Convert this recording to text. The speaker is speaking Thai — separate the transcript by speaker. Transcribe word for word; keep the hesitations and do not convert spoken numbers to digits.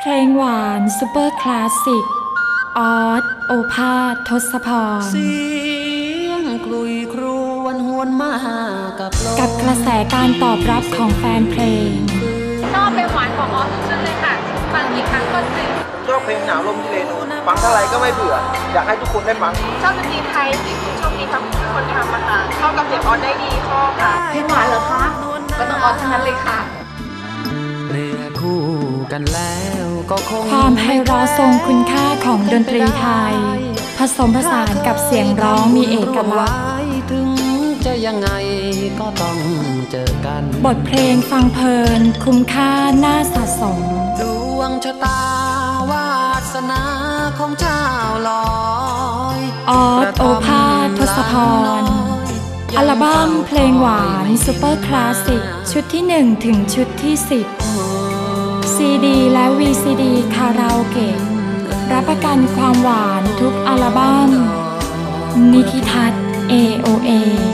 Speaker 1: เพลงหวานซูเปอร์คลาสสิกออสโอภาสทศพร
Speaker 2: เสียงกลุยครวนหวนมากับ
Speaker 1: กับกระแสการตอบรับของแฟนเพลง
Speaker 3: ชอบเพลงหวานของออสทุกชุดเลยค่ะฟังกี่ครั้งก็ซึ้ง
Speaker 4: ชอบเพลงหนาวลมที่เลนูฟังเท่าไรก็ไม่เบื่ออยากให้ทุกคนได้ฟัง
Speaker 3: ชอบดนตรีไทยที่คุณโชคดีทั้งคนทำมาค่ะเข้ากับเสียงออสได้ดีชอบค่ะเพลงหวานเหรอคะก็ต้องออสทั้งนั้นเลยค่ะ
Speaker 2: เรียกคู่กันแล้วก็คง
Speaker 1: ความไพเราะทรงคุณค่าของดนตรีไทยผสมผสานกับเสียงร้องมีเอกลักษณ์
Speaker 2: ถึงจะยังไงก็ต้องเจอกัน
Speaker 1: บทเพลงฟังเพลินคุ้มค่าน่าสะสม
Speaker 2: ดวงชะตาวาสนาของเจ้าลอย
Speaker 1: ออสโอภาสทศพรอัลบั้มเพลงหวานซูเปอร์คลาสสิกชุดที่หนึ่งถึงชุดที่สิบซีดีและ วี ซี ดี คาราโอเกะรับประกันความหวานทุกอัลบั้มนิธิทัศน์ เอ โอ เอ